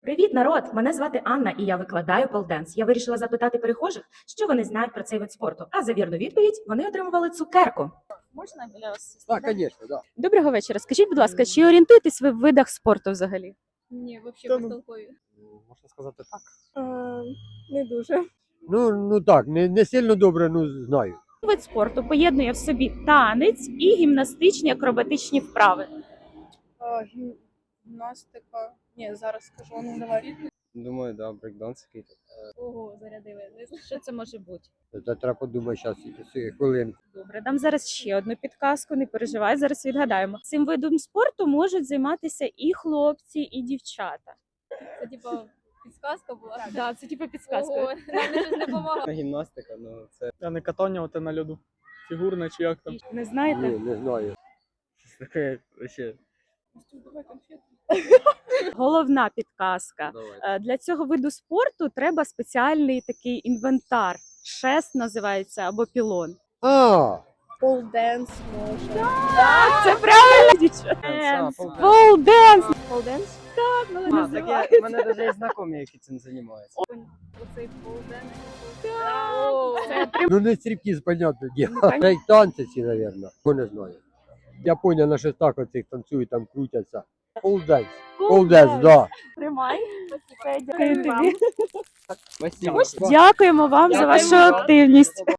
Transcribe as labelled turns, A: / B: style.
A: Привіт, народ! Мене звати Анна, і я викладаю полденс. Я вирішила запитати перехожих, що вони знають про цей вид спорту. А за вірну відповідь вони отримували цукерку.
B: Можна біля вас?
C: Так, звісно, да.
B: Доброго вечора. Скажіть, будь ласка, чи орієнтуєтесь ви в видах спорту взагалі?
D: Ні, взагалі безтолкові.
C: Можна сказати так.
D: Не дуже.
C: Ну так, не сильно добре, знаю.
B: Вид спорту поєднує в собі танець і гімнастичні акробатичні вправи.
D: Гімнастика. Ні, зараз скажу, ну давай.
E: Думаю, да, брейкданс якийсь.
D: Ого, зарядили.
B: Що це може бути?
C: Це треба подумати зараз хвилинку.
B: Добре, дам зараз ще одну підказку, не переживай, зараз відгадаємо. Цим видом спорту можуть займатися і хлопці, і дівчата.
D: Це типа підсказка була.
B: Да, це типу підсказка.
D: Ого, нам щось не допомагає.
E: Гімнастика, ну це
F: А не катання оте на льоду. Фігурне чи як там.
B: Не знаєте?
C: Ні, не знаю.
E: таке вообще.
D: Давай конфету.
B: Головна підказка.
E: Давай.
B: Для цього виду спорту треба спеціальний такий інвентар. Шест називається або пілон.
D: Полденс може.
B: Це правильно, дівчата. Полденс. Полденс? Так,
E: А,
B: називається.
E: таке, в мене навіть є знайомі, які цим займаються.
D: Оцей полденс.
C: Ну не стрибки, понятне діло. Це й танці ці, мабуть. Не знаю. Японія на шестах оцих танцюють, там крутяться. Полденс. Полденс, да.
B: Тримай. Дякую тобі.
E: Спасибо.
B: Дякуємо вам за вашу активність.